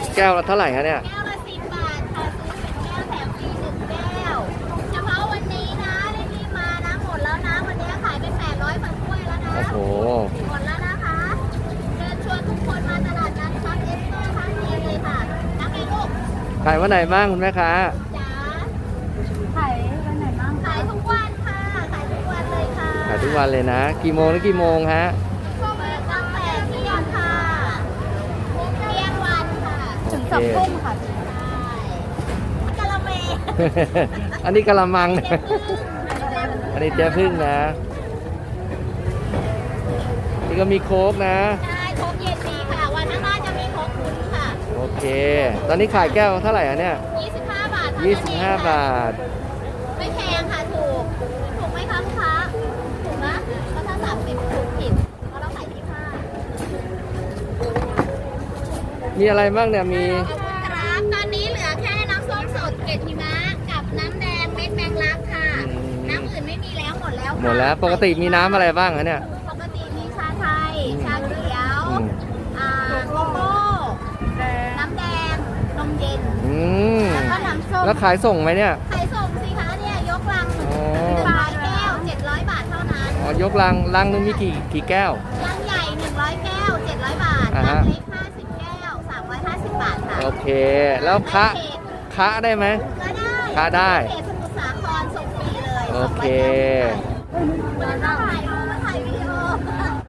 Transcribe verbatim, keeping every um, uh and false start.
แก้วละเท่าไหร่คะเนี่ยแก้วละสิบบาทค่ะซื้อเป็นแก้วแถมฟรีหนึ่งแก้วเฉพาะวันนี้นะรีบๆมานะหมดแล้วนะวันนี้ขายไปแปดร้อยกว่าถ้วยแล้วนะโอ้โหหมดแล้วนะคะเชิญชวนทุกคนมาตลาดนัดซับเอสเตอร์ครั้งนี้เลยค่ะนักเองลูกขายวันไหนบ้างคุณแม่ค้าจ๋าขายวันไหนบ้างขายทุกวันค่ะขายทุกวันเลยค่ะขายทุกวันเลยนะ กี่โมงถึงกี่โมงฮะช่วงนี้ตั้งแต่เที่ยงค่ะเที่ยงวันค่ะถึงสองทุ่มค่ะใช่กะละเมอันนี้กะละมัง อันนี้เจ๊พึ่งนะ นี่ก็มีโค้กนะใช่โค้กเย็นดีค่ะ วันข้างหน้าจะมีโค้กคุณค่ะโอเค ตอนนี้ขายแก้วเท่าไหร่อ่ะเนี่ยยี่สิบห้าบาทเท่านั้นยี่สิบห้าเองค่ะบาทไม่แพงค่ะถูก ถูกไหมคะลูกค้า ถูกนะแล้วถ้าสามสิบถูกผิดเพราะเราขายยี่สิบห้ามีอะไรบ้างเนี่ย มีครับตอนนี้เหลือแค่น้ำส้มสดเกล็ดหิมะกับน้ำแดงเม็ดแมงลักค่ะอืมน้ำอื่นไม่มีแล้วหมดแล้วค่ะหมดแล้ว ปกติมีน้ำอะไรบ้างคะเนี่ยปกติมีชาไทย ชาเขียวอืมอ่าโกโก้น้ำแดง นมเย็นอืมแล้วก็น้ำส้มแล้วขายส่งไหมเนี่ยขายส่งสิคะเนี่ยยกลังอ๋อปลายแก้วเจ็ดร้อยบาทเท่านั้นอ๋อยกลังลังนึงมีกี่กี่แก้วลังใหญ่หนึ่งร้อยแก้วเจ็ดร้อยบาทอ่าลัฮะงเล็กห้าสิบแก้วสามร้อยห้าสิบบาทค่ะโอเค แล้วคะคะได้ไหมก็ได้ค้าได้เขตสมุทรสาครส่งฟรีเลยโอเคสองร้อยห้าสิบบาท